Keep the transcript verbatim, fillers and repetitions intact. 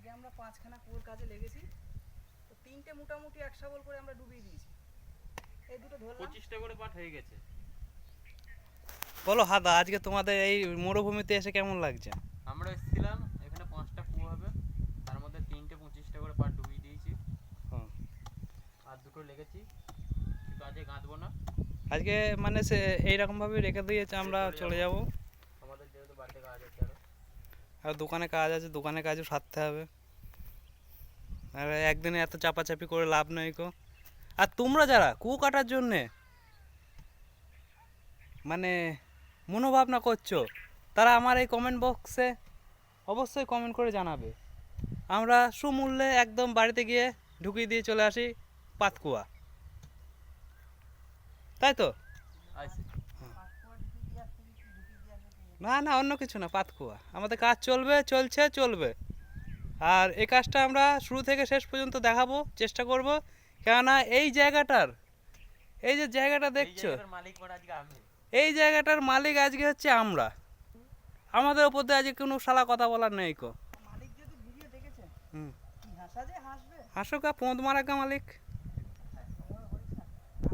আগে আমরা পাঁচখানা কুয়োর কাজে লেগেছি, তো তিনটে মোটামুটি এক শাবল করে আমরা ডুবিয়ে দিয়েছি। এই দুটো ধরলাম, পঁচিশটা করে পাট হয়ে গেছে। বলো হাদা, আজকে তোমাদের এই মরুভূমিতে এসে কেমন লাগছে? আমরা এসেছিলাম এখানে পাঁচটা কুয়ো হবে, তার মধ্যে তিনটে পঁচিশটা করে পাট ডুবিয়ে দিয়েছি। হ্যাঁ। আর দুটো লেগেছি, কিন্তু আজকে গাঁদবো না। আজকে মানে সে এইরকমভাবে রেখে দিয়েছে, আমরা চলে যাব। আমাদের যেহেতু বাড়িতে কাজ আছে আরো। আর দোকানে কাজ আছে, দোকানে কাজও সারতে হবে। আর একদিনে এত চাপাচাপি করে লাভ নেই কো। আর তোমরা যারা কুয়ো কাটার জন্যে মানে মনোভাবনা করছো, তারা আমার এই কমেন্ট বক্সে অবশ্যই কমেন্ট করে জানাবে। আমরা সুমূল্যে একদম বাড়িতে গিয়ে ঢুকিয়ে দিয়ে চলে আসি পাতকুয়া, তাই তো? আইসি। না না, অন্য কিছু না, পাতকুয়া আমাদের কাজ চলবে, চলছে, চলবে। আর এই কাজটা আমরা শুরু থেকে শেষ পর্যন্ত দেখাবো, চেষ্টা করব। কেননা এই জায়গাটার, এই যে জায়গাটা দেখছো, মালিক পড়া আজকে আমি। এই জায়গাটার মালিক আজকে হচ্ছে আমরা। আমাদের ওপর দিয়ে আজকে কোনো শালা কথা বলার নেই কো। মালিক যদি ভিডিও দেখেছে হুম, কি হাসা যে হাসবে। হাসুকা পোঁদ মারাকা মালিক।